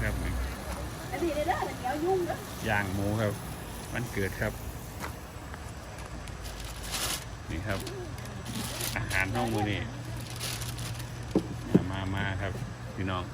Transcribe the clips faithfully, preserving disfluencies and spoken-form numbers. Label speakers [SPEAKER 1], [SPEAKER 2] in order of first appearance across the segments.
[SPEAKER 1] ครับย่างหมูครับวันเกิดครับนี่ครับอาหารห้องมือนี่มามาครับพี่น้อง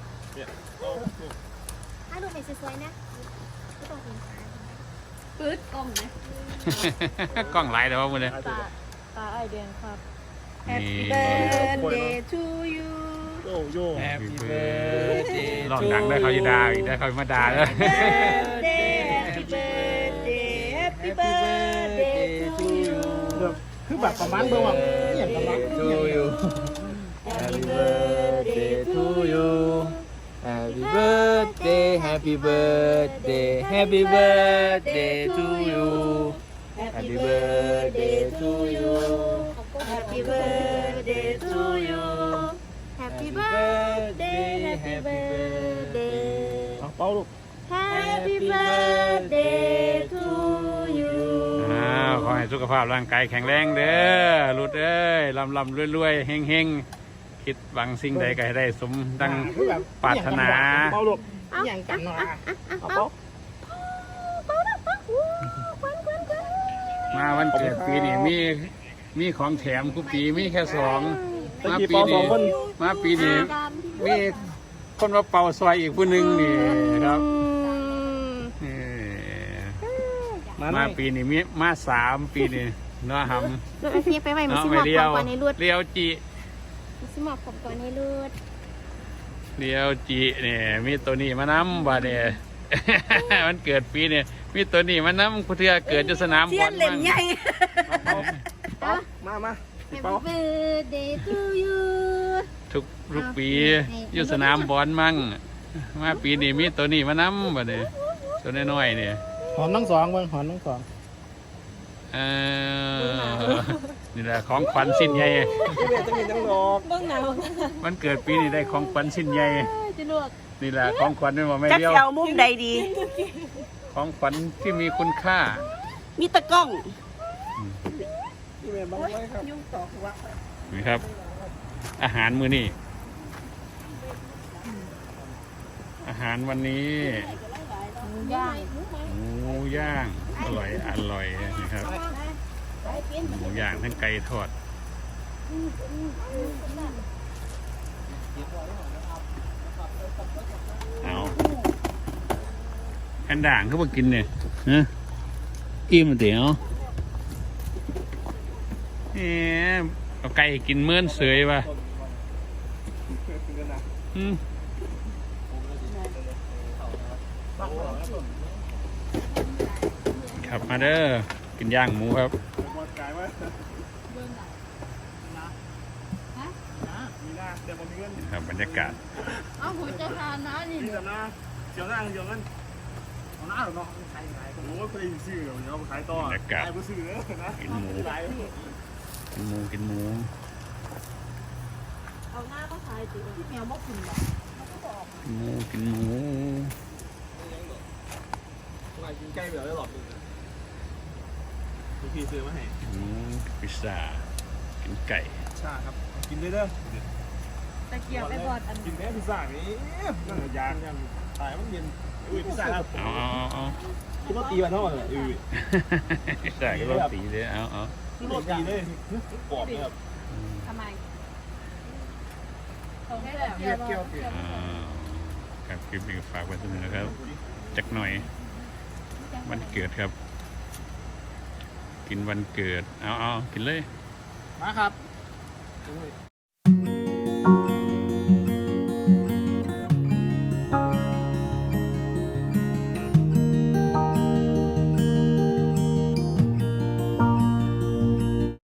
[SPEAKER 2] ถ้าดูเป็นสวยๆนะก็ต้องเป็นขา
[SPEAKER 3] ปื๊ดกล้องนะ
[SPEAKER 1] กล้องไลน์แต่ว่ามือเลย
[SPEAKER 3] ตาตาไอเดียนครับ
[SPEAKER 1] นี่
[SPEAKER 3] birthday to you
[SPEAKER 4] โยโย่
[SPEAKER 1] Happy birthday ลองดังได้เขาจะด่าอีกได้เขามาด่าเลย
[SPEAKER 3] birthday happy birthday happy birthday to you
[SPEAKER 4] คือแบบประมาณเบอร์ว่าอย่างประมาณ
[SPEAKER 5] to you Happy birthday to you Happy birthday Happy birthday Happy birthday to you Happy birthday to you
[SPEAKER 3] happy birthday to you
[SPEAKER 2] Happy birthday Happy birthday
[SPEAKER 4] เอาเป้าลูก
[SPEAKER 2] Happy birthday to you
[SPEAKER 1] อ้าวขอให้สุขภาพร่างกายแข็งแรงเด้อรุดเอ้ยลำลำรวยๆเฮงเฮงๆคิดหวังสิ่งใดก็ให้ได้สมดังปรารถนา
[SPEAKER 4] เป้าลูกอย่างกันนะเอาเป้า
[SPEAKER 1] มาวันเกิดปีนี้มีมีของแถมทุกปีมีแค่สองมาปี
[SPEAKER 4] เป้าสอ
[SPEAKER 1] นี้
[SPEAKER 4] งคน
[SPEAKER 1] มาปีนี้มีคนมาเป่าซอยอีกผู้หนึ่งนี่ครับนี่มาปีนี้มีมาสามปีนี้เนาะครับ
[SPEAKER 2] ลูกไอพี่ไปไว้มา
[SPEAKER 1] เนาะ
[SPEAKER 2] ซิ
[SPEAKER 1] ไม่
[SPEAKER 2] มอบ
[SPEAKER 1] เลี้
[SPEAKER 2] ข
[SPEAKER 1] ย
[SPEAKER 2] อง
[SPEAKER 1] ว
[SPEAKER 2] ก่อนให้รูด
[SPEAKER 1] เลี้ยวจี
[SPEAKER 2] มาซิมอบของก่อนให้รูด
[SPEAKER 1] เลี้ยวจีเนี่ยมีตัวนี้มานำบ่เนี่ย มันเกิดปีเนี่ยมีตัวนี้มานำผู้เทือเกิดอยู่สนามบอลมั่ง
[SPEAKER 4] มามา
[SPEAKER 2] Happy
[SPEAKER 4] เป้า
[SPEAKER 2] birthday to you
[SPEAKER 1] ทุกทุกปีอยู่สนามบอลมั่งมาปีนี้มีตัวนี้มานำบ่เนี่ยตัวน้อยๆเนี่ย
[SPEAKER 4] หอมทั้งสองเบิ้งหอมทั้งสอง
[SPEAKER 1] เออนี่แหละของขวัญสิ้นใหญ่
[SPEAKER 4] ที่เรียนจะมีทั้งดอก
[SPEAKER 3] เบื้องหน้า
[SPEAKER 1] มันเกิดปีนี้ได้ของขวัญสิ้นใหญ่
[SPEAKER 3] จะลวก
[SPEAKER 1] นี่แหละของขวัญนี่ว่าไม่
[SPEAKER 6] จัก
[SPEAKER 1] เดียว
[SPEAKER 6] สิเอามุมใดดี
[SPEAKER 1] ของขวัญที่มีคุณค่า
[SPEAKER 6] มีตะกล้อง
[SPEAKER 4] ที่เรียนบ้างไว้ครับ
[SPEAKER 1] นี่ครับ อาหารมื้อนี้อาหารวันนี้
[SPEAKER 3] ย่าง
[SPEAKER 1] หมูย่างอร่อยอร่อยนะครับหมูย่างทั้งไก่ทอดเอาแอนด่างเขามากินเนี่ยฮะอิ่มเดี๋ยวเอ๊ะเอาไก่กินเมื่อนเสยป่ะอืมครับมาเด้อกินย่างหมูครับครับบรรยากาศ
[SPEAKER 3] เอาหัวใจทานนะนี่
[SPEAKER 4] นี่แต่นะเจียวหน้าเจียวงั้นเอาหน้าหรอเนาะขายขายผมว่าเคยซื้อเดี๋ยวเอาไปขายต่อขายผู้ซื้อนะ
[SPEAKER 1] กินหมูกินหมูกินหมู
[SPEAKER 3] เอาหน้าก็ทายสิที่แมวมกกินแบบ
[SPEAKER 1] กินหมูกินหมู
[SPEAKER 4] กินใกล้แบบได้หรอกพี่ซื้อมาให้
[SPEAKER 1] กินหมูพิซซ่ากินไก่
[SPEAKER 4] ชาครับกินได้เด้อ
[SPEAKER 3] ตะเกียบไอ้บอดอัน
[SPEAKER 4] กินแม่พิซซ่านี้นั่งยางยังตายมันเย็นอุ้ยพิซซ่าครับ
[SPEAKER 1] เอาเอาเอาเอา
[SPEAKER 4] คือรถตีมันเท่าไหร่อุ้ย
[SPEAKER 1] พิซซ่าก็รสตีเลยเอาเอา
[SPEAKER 4] คือรถตีเลยกรอบเลยครับ
[SPEAKER 3] ทำไมตรงนี้แหละเกี่ยวเกี่ยว
[SPEAKER 1] อ้าวครับคลิปนี้ก็ฝากไว้เสมอนะครับจักหน่อยวันเกิดครับ กินวันเกิดเอาเอากินเลย
[SPEAKER 4] มาครับ